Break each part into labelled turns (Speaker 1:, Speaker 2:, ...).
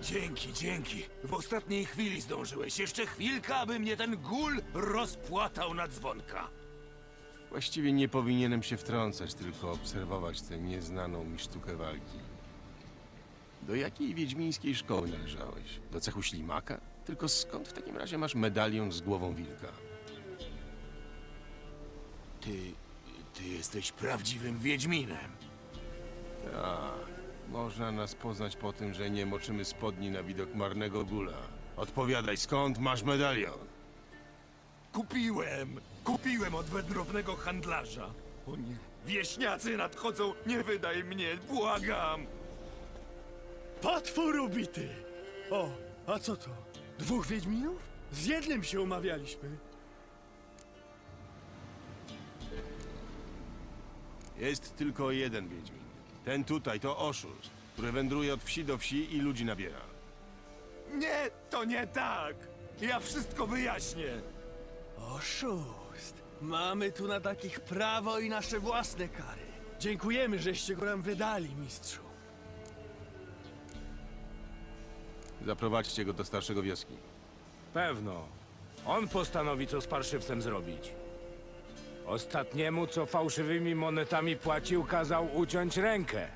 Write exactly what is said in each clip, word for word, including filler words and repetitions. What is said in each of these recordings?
Speaker 1: Dzięki, dzięki. W ostatniej chwili zdążyłeś. Jeszcze chwilkę, aby mnie ten gul rozpłatał na dzwonka.
Speaker 2: Właściwie nie powinienem się wtrącać, tylko obserwować tę nieznaną mi sztukę walki. Do jakiej wiedźmińskiej szkoły należałeś? Do cechu ślimaka? Tylko skąd w takim razie masz medalion z głową wilka?
Speaker 1: Ty... ty jesteś prawdziwym wiedźminem.
Speaker 2: Tak, można nas poznać po tym, że nie moczymy spodni na widok marnego gula. Odpowiadaj, skąd masz medalion?
Speaker 1: Kupiłem! Kupiłem od wędrownego handlarza. O nie. Wieśniacy nadchodzą, nie wydaj mnie, błagam!
Speaker 3: Potwór ubity! O, a co to? Dwóch wiedźminów? Z jednym się umawialiśmy.
Speaker 2: Jest tylko jeden wiedźmin. Ten tutaj to oszust, który wędruje od wsi do wsi i ludzi nabiera.
Speaker 1: Nie, to nie tak! Ja wszystko wyjaśnię!
Speaker 3: Oszust! Mamy tu na takich prawo i nasze własne kary. Dziękujemy, żeście go nam wydali, mistrzu.
Speaker 2: Zaprowadźcie go do starszego wioski.
Speaker 4: Pewno. On postanowi, co z parszywcem zrobić. Ostatniemu, co fałszywymi monetami płacił, kazał uciąć rękę.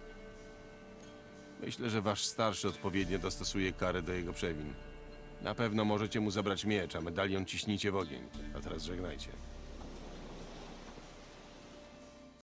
Speaker 2: Myślę, że wasz starszy odpowiednio dostosuje karę do jego przewin. Na pewno możecie mu zabrać miecz, a medalion ciśnijcie w ogień. A teraz żegnajcie.